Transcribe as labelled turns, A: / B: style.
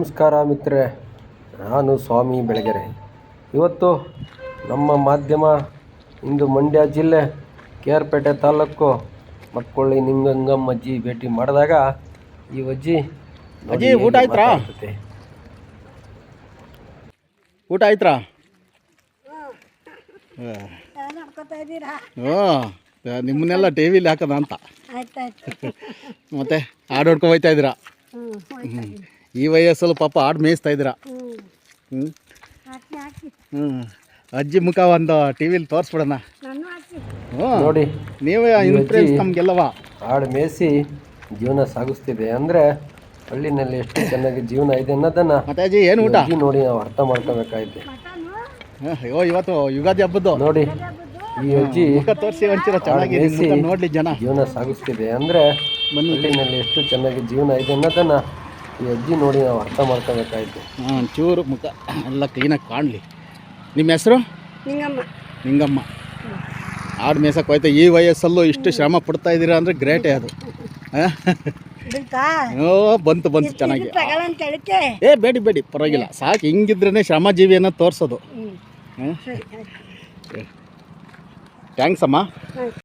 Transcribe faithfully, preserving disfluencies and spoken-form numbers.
A: ನಮಸ್ಕಾರ ಮಿತ್ರರೆ, ನಾನು ಸ್ವಾಮಿ ಬೆಳಗೆರೆ. ಇವತ್ತು ನಮ್ಮ ಮಾಧ್ಯಮ ಇಂದು ಮಂಡ್ಯ ಜಿಲ್ಲೆ ಕೆ ಆರ್ ಪೇಟೆ ತಾಲೂಕು ಮಕ್ಕೊಳ್ಳಿ ನಿಂಗಂಗಮ್ಮ ಅಜ್ಜಿ ಭೇಟಿ ಮಾಡಿದಾಗ ಈ ಅಜ್ಜಿ
B: ಅಜ್ಜಿ ಊಟ ಆಯ್ತಾ ಊಟ ಆಯ್ತಾ ಹ್ಞೂ ನಿಮ್ಮನ್ನೆಲ್ಲ ಟಿ ವಿಲಿ ಹಾಕೋದ ಅಂತ ಮತ್ತೆ ಹಾಡು ಹೊಡ್ಕೊ ಹೋಗ್ತಾ ಇದ್ದೀರಾ? ಹ್ಞೂ ಈ ವಯಸ್ಸಲ್ಲಿ ಪಾಪ ಹಾಡು ಮೇಯಿಸ್ತಾ ಇದ್ದೀರಾ? ಹ್ಞೂ ಹ್ಞೂ ಅಜ್ಜಿ ಮುಖ ಒಂದು ಟಿ ವಿಲಿ ತೋರಿಸ್ಬಿಡೋಣ. ಹ್ಞೂ ನೋಡಿ, ನೀವೇ ಇನ್ಫ್ಲೂಯೆನ್ಸ್ ನಮಗೆಲ್ಲವ. ಹಾಡು ಮೇಯಿಸಿ ಜೀವನ ಸಾಗಿಸ್ತಿದೆ ಅಂದರೆ ಹಳ್ಳಿನಲ್ಲಿ ಎಷ್ಟು ಚೆನ್ನಾಗಿ ಜೀವನ ಇದೆ ಅನ್ನೋದನ್ನು ಮತ್ತೆ ಅಜ್ಜಿ ಏನು ಊಟ ನೋಡಿ ನಾವು ಅರ್ಥ ಮಾಡ್ಕೋಬೇಕಾಯ್ತು. ಅಯ್ಯೋ ಇವತ್ತು ಯುಗಾದಿ ಹಬ್ಬದ್ದು ನೋಡಿ, ಈ ಅಜ್ಜಿ ಮುಖ ತೋರಿಸಿ ಒಂಚೂರು ಚೆನ್ನಾಗಿ ನೋಡಲಿ ಜನ. ಜೀವನ ಸಾಗಿಸ್ತಿದೆ ಅಂದರೆ ಹಳ್ಳಿನಲ್ಲಿ ಎಷ್ಟು ಚೆನ್ನಾಗಿ ಜೀವನ ಇದೆ ಅನ್ನೋದನ್ನು ಈ ಅಜ್ಜಿ ನೋಡಿ ನಾವು ಅರ್ಥ ಮಾಡ್ಕೋಬೇಕಾಯ್ತು. ಹಾಂ, ಚೂರು ಮುಖ ಎಲ್ಲ ಕ್ಲೀನಾಗಿ ಕಾಣಲಿ. ನಿಮ್ಮ ಹೆಸರು?
C: ನಿಂಗಮ್ಮ.
B: ನಿಂಗಮ್ಮ. ಆಡು ಮೇಯ್ಸಕ್ಕೆ ಹೋಯ್ತಾ ಈ ವಯಸ್ಸಲ್ಲೂ ಇಷ್ಟು ಶ್ರಮ ಪಡ್ತಾ ಇದ್ದೀರಾ ಅಂದರೆ ಗ್ರೇಟೇ ಅದು. ಓ ಬಂತು ಬಂತು ಚೆನ್ನಾಗಿ. ಏ ಬೇಡಿ ಬೇಡಿ ಪರವಾಗಿಲ್ಲ, ಸಾಕು. ಹಿಂಗಿದ್ರೇ ಶ್ರಮಜೀವಿ ಅನ್ನೋದು ತೋರಿಸೋದು. ಥ್ಯಾಂಕ್ಸ್ ಅಮ್ಮ.